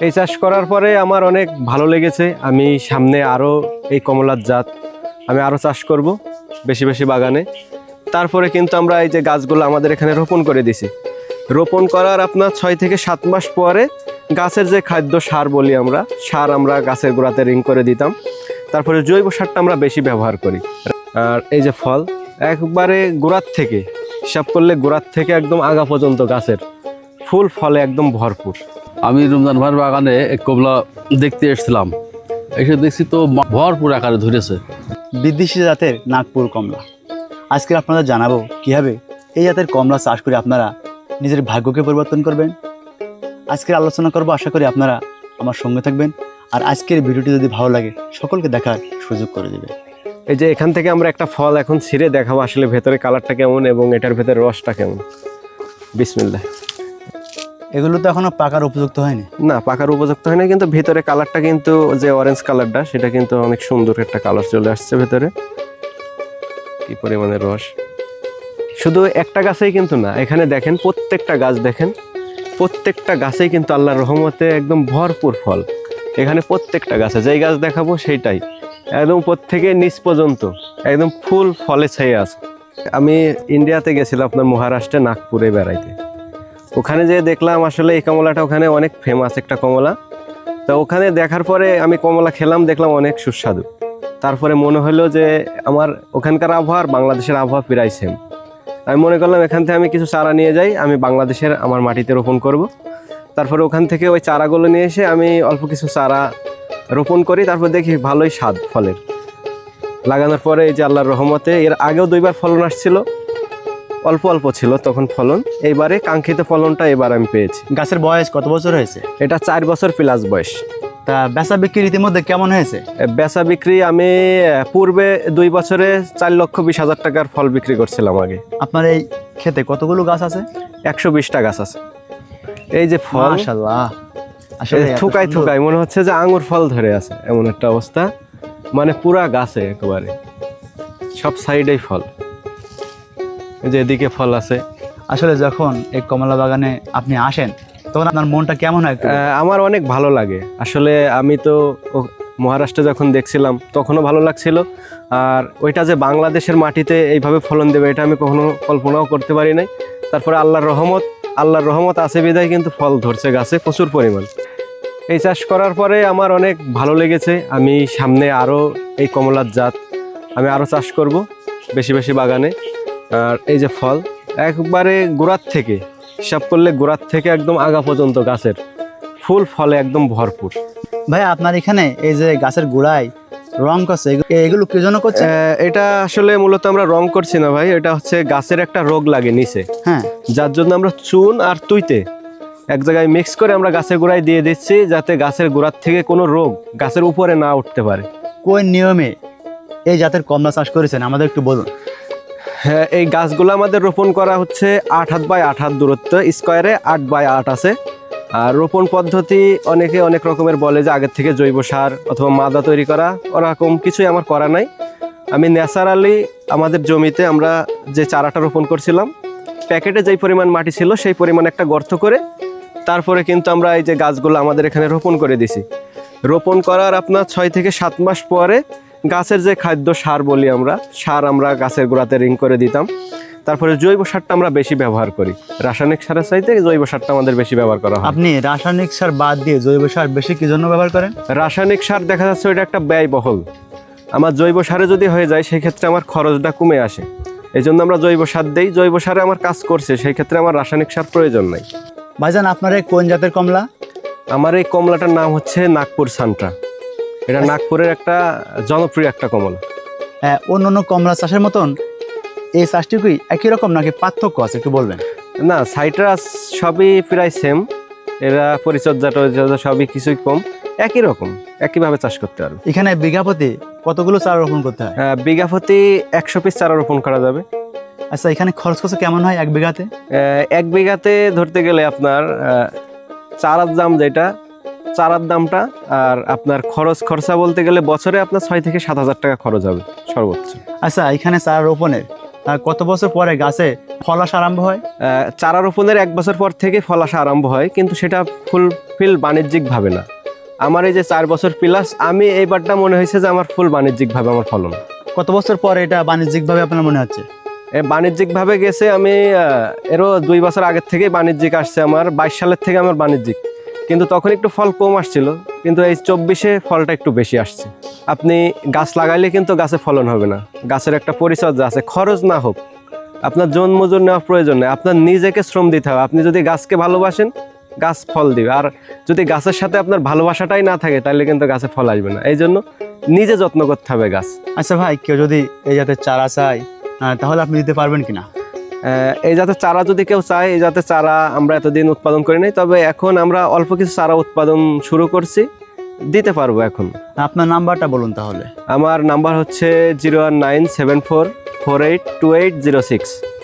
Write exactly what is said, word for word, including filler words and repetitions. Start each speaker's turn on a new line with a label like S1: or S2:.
S1: এই চাষ করার পরে আমার অনেক ভালো লেগেছে। আমি সামনে আরও এই কমলার জাত আমি আরও চাষ করব বেশি বেশি বাগানে। তারপরে কিন্তু আমরা এই যে গাছগুলো আমাদের এখানে রোপণ করে দিছি। রোপণ করার আপনার ছয় থেকে সাত মাস পরে গাছের যে খাদ্য সার বলি আমরা, সার আমরা গাছের গোড়াতে রিং করে দিতাম। তারপরে জৈব সারটা আমরা বেশি ব্যবহার করি। আর এই যে ফল একবারে গোড়ার থেকে হিসাব করলে গোড়ার থেকে একদম আগা পর্যন্ত গাছের ফুল ফলে একদম ভরপুর।
S2: আমি রমজান ভাইয়ের বাগানে এক কমলা দেখতে এসেছিলাম, এসে দেখছি তো ভরপুর আকারে ধরেছে।
S3: বিদেশি জাতের নাগপুর কমলা। আজকে আপনাদের জানাবো কীভাবে এই জাতের কমলা চাষ করে আপনারা নিজের ভাগ্যকে পরিবর্তন করবেন। আজকের আলোচনা করব, আশা করি আপনারা আমার সঙ্গে থাকবেন। আর আজকের ভিডিওটি যদি ভালো লাগে সকলকে দেখার সুযোগ করে দেবে।
S1: এই যে এখান থেকে আমরা একটা ফল এখন ছিঁড়ে দেখাবো আসলে ভেতরে কালারটা কেমন এবং এটার ভেতরে রসটা কেমন। বিসমিল্লাহ।
S3: এগুলো তো এখনো পাকার উপযুক্ত হয়নি।
S1: না, পাকার উপযুক্ত হয় না, কিন্তু ভেতরে কালারটা কিন্তু যে অরেঞ্জ কালারটা সেটা কিন্তু অনেক সুন্দর একটা কালার চলে আসছে ভেতরে। কি পরিমাণে রস! শুধু একটা গাছেই কিন্তু না, এখানে দেখেন প্রত্যেকটা গাছ দেখেন, প্রত্যেকটা গাছেই কিন্তু আল্লাহর রহমতে একদম ভরপুর ফল। এখানে প্রত্যেকটা গাছে যেই গাছ দেখাবো সেইটাই একদম প্রত্যেকে নিচ পর্যন্ত একদম ফুল ফলে ছেয়ে আছে। আমি ইন্ডিয়াতে গেছিলাম আপনার মহারাষ্ট্রে নাগপুরে বেড়াইতে। ওখানে যে দেখলাম আসলে এই কমলাটা ওখানে অনেক ফেমাস একটা কমলা। তো ওখানে দেখার পরে আমি কমলা খেলাম, দেখলাম অনেক সুস্বাদু। তারপরে মনে হলো যে আমার ওখানকার আবহাওয়া আর বাংলাদেশের আবহাওয়া প্রায় সেম। আমি মনে করলাম এখান থেকে আমি কিছু চারা নিয়ে যাই, আমি বাংলাদেশের আমার মাটিতে রোপণ করব। তারপরে ওখান থেকে ওই চারাগুলো নিয়ে এসে আমি অল্প কিছু চারা রোপণ করি। তারপর দেখি ভালোই স্বাদ ফলের। লাগানোর পরে এই যে আল্লাহর রহমতে এর আগেও দুইবার ফলন আসছিল, অল্প অল্প ছিল তখন ফলন। এইবারে কাঙ্ক্ষিত ফলনটা এবার আমি পেয়েছি।
S3: গাছের বয়স কত বছর হয়েছে?
S1: এটা চার বছর প্লাস বয়স।
S3: তা বেচা বিক্রি ইতিমধ্যে কেমন হয়েছে?
S1: বেচা বিক্রি আমি পূর্বে দুই বছরে চার লক্ষ বিশ হাজার টাকার ফল বিক্রি করছিলাম আগে।
S3: আপনার এই ক্ষেতে কতগুলো গাছ আছে?
S1: একশো বিশটা গাছ আছে। এই যে ফল,
S3: মাশাআল্লাহ, আসলে
S1: থুকাই থুকাই মনে হচ্ছে যে আঙুর ফল ধরে আছে, এমন একটা অবস্থা। মানে পুরা গাছে একেবারে সব সাইডেই ফল। যে এদিকে ফল আছে।
S3: আসলে যখন এই কমলা বাগানে আপনি আসেন তখন আপনার মনটা কেমন হয়?
S1: আমার অনেক ভালো লাগে আসলে। আমি তো মহারাষ্ট্রে যখন দেখছিলাম তখনও ভালো লাগছিল। আর ওইটা যে বাংলাদেশের মাটিতে এইভাবে ফলন দেবে এটা আমি কখনো কল্পনাও করতে পারি নাই। তারপরে আল্লাহর রহমত আল্লাহর রহমত আছে বিধায় কিন্তু ফল ধরছে গাছে প্রচুর পরিমাণ। এই চাষ করার পরে আমার অনেক ভালো লেগেছে। আমি সামনে আরও এই কমলার জাত আমি আরও চাষ করব বেশি বেশি বাগানে। আর এই যে ফল একবারে গোড়ার থেকে হিসাব করলে গোড়ার থেকে একদম আগা পর্যন্ত গাছের ফুল ফলে একদম ভরপুর।
S3: ভাই আপনার এখানে এই যে গাছের গোড়ায় রং করছে, এগুলো কি জন্য করছে?
S1: এটা আসলে মূলত আমরা রং করছি না ভাই, এটা হচ্ছে গাছের একটা রোগ লাগে নিচে,
S3: হ্যাঁ,
S1: যার জন্য আমরা চুন আর তুইতে এক জায়গায় মিক্স করে আমরা গাছের গোড়ায় দিয়ে দিচ্ছি, যাতে গাছের গোড়ার থেকে কোনো রোগ গাছের উপরে না উঠতে পারে।
S3: কোন নিয়মে এই জাতের কমলা চাষ করেছেন আমাদের একটু বলুন।
S1: হ্যাঁ, এই গাছগুলো আমাদের রোপণ করা হচ্ছে আট হাত বাই আট হাত দূরত্ব, স্কোয়ারে আট বাই আট আছে। আর রোপণ পদ্ধতি অনেকে অনেক রকমের বলে যে আগের থেকে জৈব সার অথবা মাদা তৈরি করা, ওরকম কিছুই আমার করা নাই। আমি ন্যাচারালি আমাদের জমিতে আমরা যে চারাটা রোপণ করছিলাম, প্যাকেটে যেই পরিমাণ মাটি ছিল সেই পরিমাণ একটা গর্ত করে তারপরে কিন্তু আমরা এই যে গাছগুলো আমাদের এখানে রোপণ করে দিছি। রোপণ করার আপনার ছয় থেকে সাত মাস পরে গাছের যে খাদ্য সার বলি আমরা, সার আমরা গাছের গোড়াতে রিং করে দিতাম। তারপরে জৈব সারটা আমরা বেশি ব্যবহার করি, রাসায়নিক সারের চাইতে জৈব সারটা আমাদের বেশি ব্যবহার করা হয়।
S3: আপনি রাসায়নিক সার বাদ দিয়ে জৈব সার বেশি কি জন্য ব্যবহার করেন?
S1: রাসায়নিক সার দেখা যাচ্ছে ওইটা একটা ব্যয়বহুল। আমার জৈব সারে যদি হয়ে যায় সেই ক্ষেত্রে আমার খরচটা কমে আসে, এই জন্য আমরা জৈব সার দেই। জৈব সারে আমার কাজ করছে, সেই ক্ষেত্রে আমার রাসায়নিক সার প্রয়োজন নাই।
S3: ভাইজান আপনার এই কোন জাতের কমলা?
S1: আমার এই কমলাটার নাম হচ্ছে নাগপুর সান্ট্রা। এটা নাগপুরের একটা জনপ্রিয় একটা কমলা।
S3: হ্যাঁ, অন্য অন্য কমলা চাষের মতন এই চাষটি কি একই রকম নাকি পার্থক্য আছে একটু বলবেন?
S1: না, সাইট্রাস সবই প্রায় সেম। এরা পরিচর্যা টরিচর্যা সবই কিছুই কম, একই রকম, একইভাবে চাষ করতে পারবে।
S3: এখানে বিঘা প্রতি কতগুলো চারা রোপণ করতে হয়?
S1: বিঘা প্রতি একশো পিস চারা রোপণ করা যাবে।
S3: আচ্ছা, এখানে খরচ খরচ কেমন হয় এক বিঘাতে?
S1: এক বিঘাতে ধরতে গেলে আপনার চারার দাম যেটা, চারার দামটা আর আপনার খরচ খরচা বলতে গেলে বছরে আপনার ছয় থেকে সাত হাজার টাকা খরচ হবে সর্বোচ্চ।
S3: আচ্ছা, এখানে চারা রোপণের আহ, কত বছর পরে গাছে ফল আসা আরম্ভ হয়?
S1: আহ, চারা রোপণের এক বছর পর থেকে ফল আসা আরম্ভ হয়, কিন্তু সেটা ফুলফিল বাণিজ্যিকভাবে না। আমার এই যে চার বছর প্লাস, আমি এইবারটা মনে হয়েছে যে আমার ফুল বাণিজ্যিকভাবে আমার ফলন।
S3: কত বছর পরে এটা বাণিজ্যিকভাবে আপনার মনে হচ্ছে?
S1: এ বাণিজ্যিকভাবে গেছে, আমি আহ, এরও দুই বছর আগের থেকেই বাণিজ্যিক আসছে আমার, বাইশ সালের থেকে আমার বাণিজ্যিক, কিন্তু তখন একটু ফল কম আসছিল, কিন্তু এই চব্বিশে ফলটা একটু বেশি আসছে। আপনি গাছ লাগাইলে কিন্তু গাছে ফলন হবে না, গাছের একটা পরিচর্যা আছে, খরচ না হোক, আপনার জন মজুর নেওয়া প্রয়োজন নেই, আপনার নিজেকে শ্রম দিতে হবে। আপনি যদি গাছকে ভালোবাসেন, গাছ ফল দিবে, আর যদি গাছের সাথে আপনার ভালোবাসাটাই না থাকে তাহলে কিন্তু গাছে ফল আসবে না। এই জন্য নিজে যত্ন করতে হবে গাছ।
S3: আচ্ছা ভাই, কেউ যদি এই জাতের চারা চায় আহ, তাহলে আপনি দিতে পারবেন কিনা?
S1: আহ, এই জাতের চারা যদি কেউ চায়, এই জাতের চারা আমরা এতদিন উৎপাদন করি নাই, তবে এখন আমরা অল্প কিছু চারা উৎপাদন শুরু করছি, দিতে পারবো এখন।
S3: আপনার নাম্বারটা বলুন তাহলে।
S1: আমার নাম্বার হচ্ছে zero one nine seven four four eight two eight zero six.